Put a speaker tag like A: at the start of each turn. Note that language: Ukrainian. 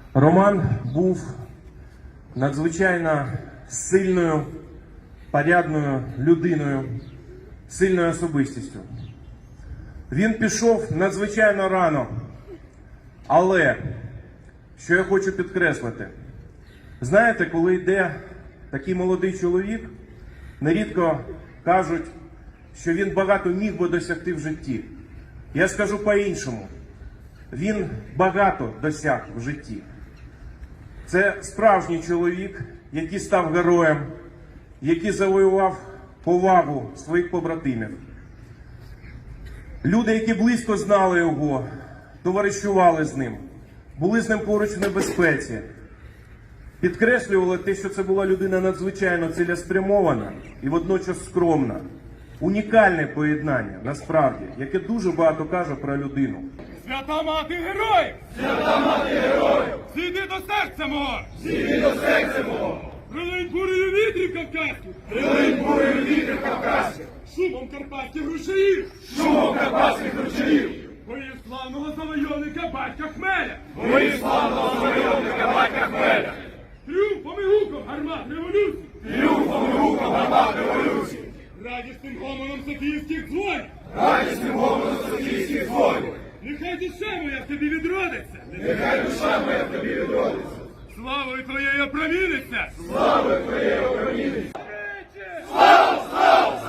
A: Роман був надзвичайно сильною, порядною людиною, сильною особистістю. Він пішов надзвичайно рано, але, що я хочу підкреслити, знаєте, коли йде такий молодий чоловік, нерідко кажуть, що він багато міг би досягти в житті. Я скажу по-іншому. Він багато досяг в житті. Це справжній чоловік, який став героєм, який завоював повагу своїх побратимів. Люди, які близько знали його, товаришували з ним, були з ним поруч в небезпеці, підкреслювали те, що це була людина надзвичайно цілеспрямована і водночас скромна. Унікальне поєднання, насправді, яке дуже багато каже про людину.
B: Свята мати героїв!
C: Свята мати героїв!
B: Зійди до серця мого!
C: Зійди до серця мого!
B: Прилинь бурею вітрів кавказьких!
C: Прилинь бурею вітрів кавказьких!
B: Шумом карпатських ручаїв!
C: Шумом карпатських ручаїв!
B: Боїв славного завойовника батька Хмеля!
C: Боїв славного завойовника батька Хмеля!
B: Тріумфом і гуком гармат революції!
C: Тріумфом і гуком гармат революції!
B: Радісним гомоном софійських дзвонів!
C: Радісним гомоном софійських дзвонів!
B: Нехай душа моя в тобі відродиться!
C: Нехай душа моя в тобі відродиться!
B: Славою твоєю опроміниться!
C: Славою твоєю опроміниться!
B: Слава, слава,